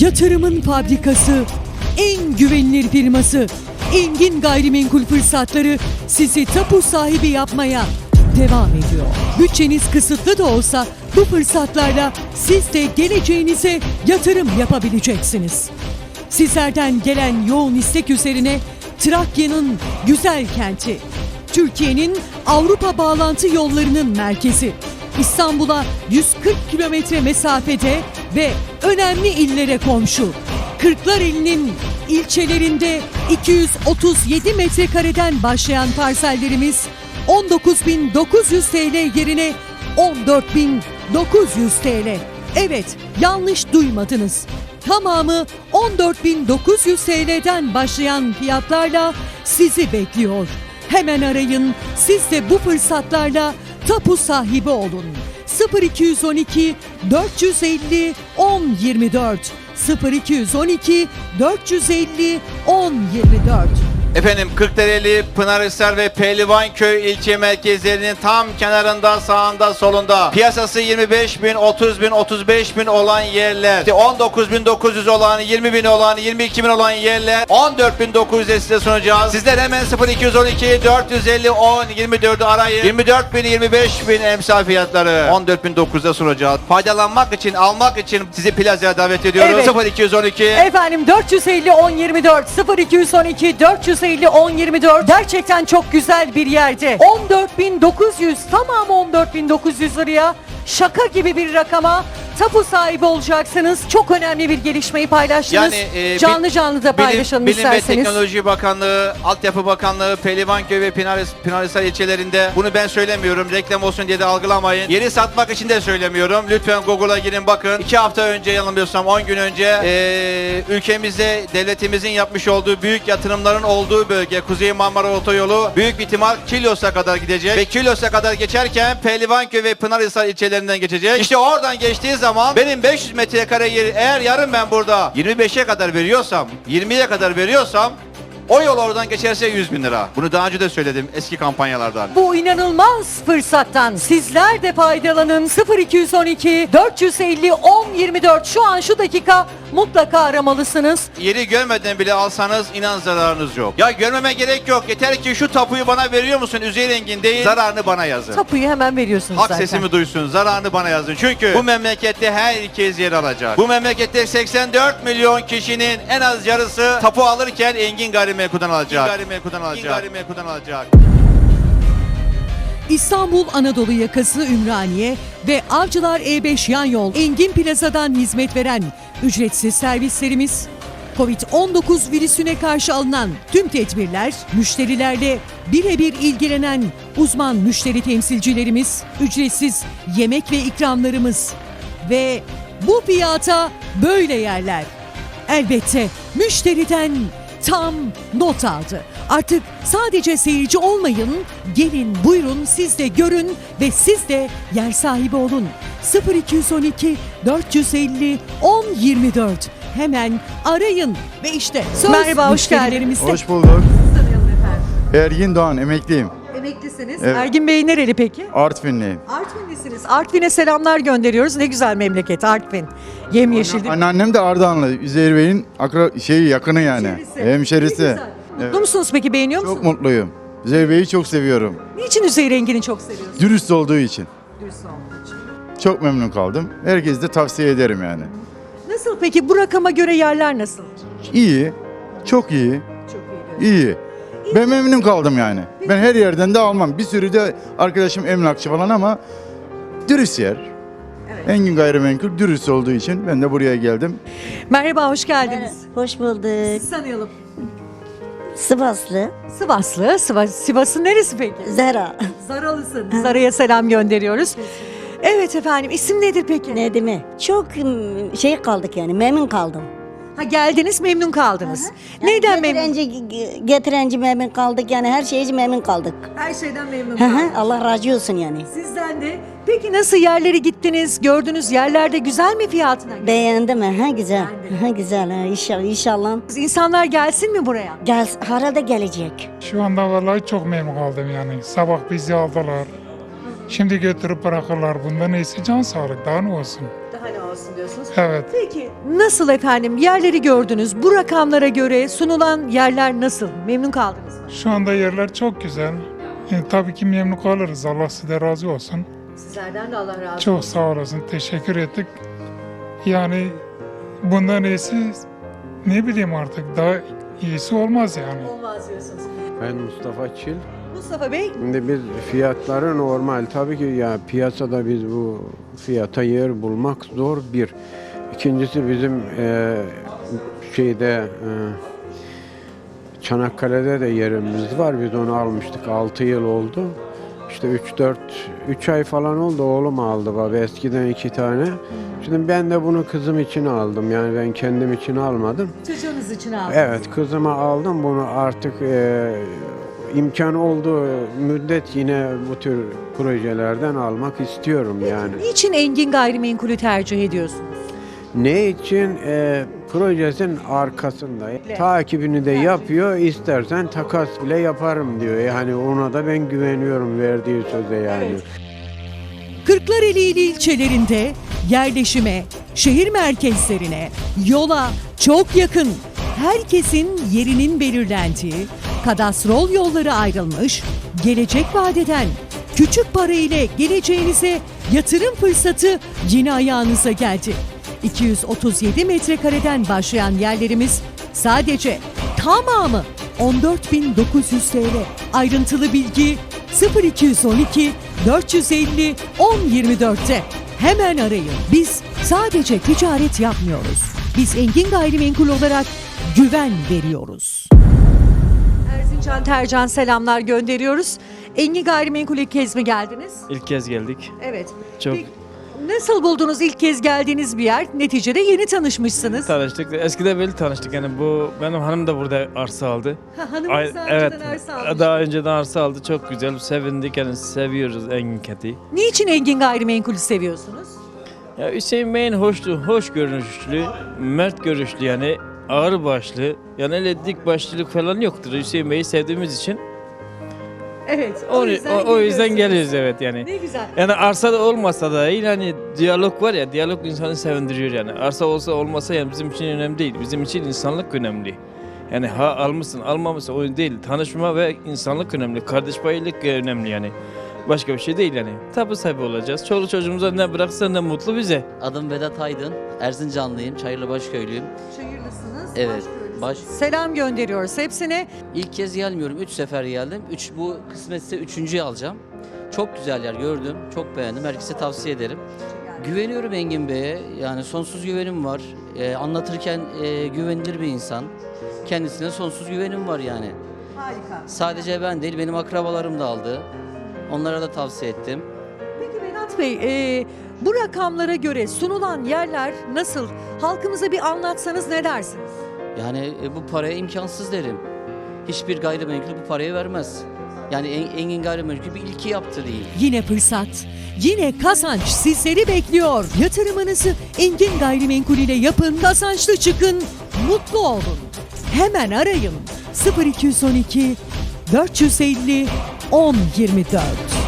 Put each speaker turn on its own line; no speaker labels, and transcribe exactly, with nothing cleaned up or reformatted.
Yatırımın fabrikası, en güvenilir firması Engin Gayrimenkul Fırsatları sizi tapu sahibi yapmaya devam ediyor. Bütçeniz kısıtlı da olsa bu fırsatlarla siz de geleceğinize yatırım yapabileceksiniz. Sizlerden gelen yoğun istek üzerine Trakya'nın güzel kenti, Türkiye'nin Avrupa bağlantı yollarının merkezi, İstanbul'a yüz kırk kilometre mesafede ve önemli illere komşu, Kırklareli'nin ilçelerinde iki yüz otuz yedi metrekareden başlayan parsellerimiz on dokuz bin dokuz yüz TL yerine on dört bin dokuz yüz TL. Evet, yanlış duymadınız. Tamamı on dört bin dokuz yüz TL'den başlayan fiyatlarla sizi bekliyor. Hemen arayın, siz de bu fırsatlarla tapu sahibi olun. sıfır iki on iki dört yüz elli on yirmi dört sıfır iki on iki dört yüz elli on yirmi dört.
Efendim Kırklareli, Pınarhisar ve Pehlivanköy ilçe merkezlerinin tam kenarında, sağında, solunda piyasası yirmi beş bin, otuz bin, otuz beş bin olan yerler, işte on dokuz bin dokuz yüz olan, yirmi bin olan, yirmi iki bin olan yerler on dört bin dokuz yüze size sunacağız. Sizler hemen sıfır iki on iki dört yüz elli on yirmi dördü arayın. yirmi dört bin, yirmi beş bin emsal fiyatları on dört bin dokuz yüze sunacağız. Faydalanmak için, almak için sizi plazaya davet ediyoruz.
Evet.
sıfır iki on iki
Efendim dört yüz elli on yirmi dört sıfır iki on iki dört yüz elli on yirmi dört gerçekten çok güzel bir yerde. on dört bin dokuz yüz, tamamı on dört bin dokuz yüz liraya, şaka gibi bir rakama tapu sahibi olacaksınız. Çok önemli bir gelişmeyi paylaştınız.
Yani, e,
canlı
bil-
canlı da paylaşalım
Bilim, Bilim ve
isterseniz.
Teknoloji Bakanlığı, Altyapı Bakanlığı, Pehlivanköy ve Pınar- Pınarhisar ilçelerinde, bunu ben söylemiyorum, reklam olsun diye de algılamayın. Yeri satmak için de söylemiyorum. Lütfen Google'a girin bakın. iki hafta önce, yanılmıyorsam on gün önce e, ülkemizde devletimizin yapmış olduğu büyük yatırımların olduğu bölge Kuzey Marmara Otoyolu büyük bir ihtimal Kilyos'a kadar gidecek ve Kilyos'a kadar geçerken Pehlivanköy ve Pınarhisar ilçelerinden geçecek. İşte oradan geçtiği zaman benim beş yüz metrekare yeri eğer yarın ben burada yirmi beşe kadar veriyorsam, yirmiye kadar veriyorsam, o yol oradan geçerse yüz bin lira. Bunu daha önce de söyledim eski kampanyalardan.
Bu inanılmaz fırsattan sizler de faydalanın. sıfır iki on iki dört yüz elli on yirmi dört şu an şu dakika mutlaka aramalısınız.
Yeri görmeden bile alsanız inan zararınız yok. Ya görmeme gerek yok. Yeter ki şu tapuyu bana veriyor musun Üzeyir Engin değil, zararını bana yazın.
Tapuyu hemen veriyorsunuz
Hak
zaten.
sesimi duysun, zararını bana yazın. Çünkü bu memlekette herkes yer alacak. Bu memlekette seksen dört milyon kişinin en az yarısı tapu alırken Engin Gayrimenkul'dan alacak. Engin Gayrimenkul'dan alacak. Engin Gayrimenkul'dan alacak.
İstanbul Anadolu yakası Ümraniye ve Avcılar E beş yan yol Engin Plaza'dan hizmet veren ücretsiz servislerimiz, kovid on dokuz virüsüne karşı alınan tüm tedbirler, müşterilerle birebir ilgilenen uzman müşteri temsilcilerimiz, ücretsiz yemek ve ikramlarımız ve bu fiyata böyle yerler. Elbette müşteriden tam not aldı. Artık sadece seyirci olmayın, gelin buyurun siz de görün ve siz de yer sahibi olun. sıfır iki on iki dört yüz elli on yirmi dört hemen arayın ve işte söz
Merhaba, hoş
müşterilerimizde.
Hoş bulduk. Ergin Doğan, emekliyim.
Emeklisiniz.
Evet.
Ergin Bey nereli peki?
Artvinliyim.
Artvinlisiniz. Artvin'e selamlar gönderiyoruz. Ne güzel memleket Artvin. Yemyeşil değil mi?
Anneannem de Ardahanlı. Üzeyir Bey'in akra şeyi yakını yani.
Hemşerisi.
Hemşerisi.
Ne güzel. Mutlu
Evet.
musunuz peki? Beğeniyor musunuz?
Çok mutluyum. Üzeyir Bey'i çok seviyorum.
Niçin Üzeyir Engin'i çok seviyorsunuz?
Dürüst olduğu için.
Dürüst olduğu için.
Çok memnun kaldım. Herkese de tavsiye ederim yani.
Nasıl peki? Bu rakama göre yerler nasıl?
İyi. Çok iyi.
Çok iyi.
İyi. Ben memnun kaldım yani. Ben her yerden de almam. Bir sürü de arkadaşım emlakçı falan ama dürüst yer. Engin Gayrimenkul dürüst olduğu için ben de buraya geldim.
Merhaba, hoş geldiniz.
Hoş bulduk.
Sizi tanıyalım.
Sivaslı.
Sivaslı. Sivas, Sivas'ın neresi peki?
Zara.
Zaralısın. Zara'ya selam gönderiyoruz. Evet efendim. İsim nedir peki?
Ne mi? Çok ım, şey kaldık yani memnun kaldım.
Ha, geldiniz, memnun kaldınız. Neyden memnun?
Getirenci, getirenci memnun kaldık yani her şeyci memnun kaldık.
Her şeyden memnun
Hı hı,
kaldınız.
Allah razı olsun yani.
Sizden de. Peki nasıl yerlere gittiniz? Gördüğünüz yerlerde güzel mi fiyatına?
Beğendim ha güzel.
Beğendim.
Ha güzel ha inşallah inşallah.
İnsanlar gelsin mi buraya?
Gel herhalde gelecek.
Şu anda vallahi çok memnun kaldım yani. Sabah bizi aldılar. Şimdi götürüp bırakırlar. Bundan iyisi can sağlık. Daha ne olsun?
Daha ne olsun? olsun diyorsunuz.
Evet.
Peki nasıl efendim? Yerleri gördünüz. Bu rakamlara göre sunulan yerler nasıl? Memnun kaldınız mı?
Şu anda yerler çok güzel. E, tabii ki memnun kalırız. Allah size razı olsun.
Sizlerden de Allah razı olsun.
Çok sağ olasın. Teşekkür ettik. Yani bundan iyisi ne bileyim artık daha iyisi olmaz yani.
Olmaz diyorsunuz.
Ben Mustafa Çil.
Mustafa Bey,
Şimdi biz fiyatları normal. Tabii ki ya piyasada biz bu fiyata yer bulmak zor bir. İkincisi bizim e, şeyde e, Çanakkale'de de yerimiz var. Biz onu almıştık. altı yıl oldu. İşte üç dört üç ay falan oldu oğlum aldı baba. Eskiden iki tane. Şimdi ben de bunu kızım için aldım. Yani ben kendim için almadım.
çocuğunuz için aldım.
Evet, kızıma aldım bunu artık e, imkan olduğu müddet yine bu tür projelerden almak istiyorum yani.
Niçin Engin Gayrimenkul'ü tercih ediyorsunuz?
Ne için? E, projesinin arkasında. Takibini de yapıyor, istersen takas bile yaparım diyor. Yani ona da ben güveniyorum verdiği söze yani.
Kırklareli il ilçelerinde yerleşime, şehir merkezlerine, yola çok yakın, herkesin yerinin belirlendiği, kadastrol yolları ayrılmış, gelecek vadeden küçük para ile geleceğinize yatırım fırsatı yine ayağınıza geldi. iki yüz otuz yedi metrekareden başlayan yerlerimiz sadece tamamı on dört bin dokuz yüz T L. Ayrıntılı bilgi sıfır iki on iki dört yüz elli on yirmi dörtte. Hemen arayın. Biz sadece ticaret yapmıyoruz. Biz Engin Gayrimenkul olarak güven veriyoruz. Erzincan Tercan selamlar gönderiyoruz. Engin Gayrimenkul ilk kez mi geldiniz?
İlk kez geldik.
Evet.
Çok
Peki, nasıl buldunuz ilk kez geldiğiniz bir yer? Neticede yeni tanışmışsınız.
tanıştık. Eskiden böyle tanıştık yani bu benim hanım da burada arsa aldı.
Ha, hanımınız
Ay-
daha
evet.
önceden arsa almış.
Daha önceden arsa aldı. Çok güzel. Sevindik yani seviyoruz Engin Keti.
Niçin Engin Gayrimenkul'ü seviyorsunuz?
Ya Hüseyin Bey'in hoşlu, hoş görünüşlü, mert görüşlü yani ağır başlı. Yani öyle dik başlılık falan yoktur. Hüseyin Bey'i sevdiğimiz için
Evet.
o, o, o yüzden geliyoruz evet yani.
Ne güzel.
Yani arsa da olmasa da iyi hani diyalog var ya, diyalog insanı sevindiriyor yani. Arsa olsa olmasa yani bizim için önemli değil. Bizim için insanlık önemli. Yani ha almışsın almamışsın o değil. Tanışma ve insanlık önemli. Kardeş paylık önemli yani. Başka bir şey değil yani. Tapu sahibi olacağız. Çoluk çocuğumuza ne bıraksa ne mutlu bize.
Adım Vedat Aydın, Erzincanlıyım, Çayırlıbaş köylüyüm.
Şehirlisiniz.
Evet,
Başköylüsünüz.
baş-
Selam gönderiyoruz hepsine.
İlk kez gelmiyorum, üç sefer geldim. Üç, bu kısmetse üçüncüyü alacağım. Çok güzel yer gördüm, çok beğendim, herkese tavsiye ederim. Güveniyorum Engin Bey'e, yani sonsuz güvenim var. Ee, anlatırken e, güvenilir bir insan. Kendisine sonsuz güvenim var yani.
Harika.
Sadece ben değil, benim akrabalarım da aldı. Onlara da tavsiye ettim.
Peki Vedat Bey, e, bu rakamlara göre sunulan yerler nasıl? Halkımıza bir anlatsanız ne dersiniz?
Yani e, bu paraya imkansız derim. Hiçbir gayrimenkul bu parayı vermez. Yani En- Engin Gayrimenkul bir ilki yaptı değil.
Yine fırsat, yine kazanç sizleri bekliyor. Yatırımınızı Engin Gayrimenkul ile yapın, kazançlı çıkın, mutlu olun. Hemen arayın sıfır iki on iki dört yüz elli on yirmi dört.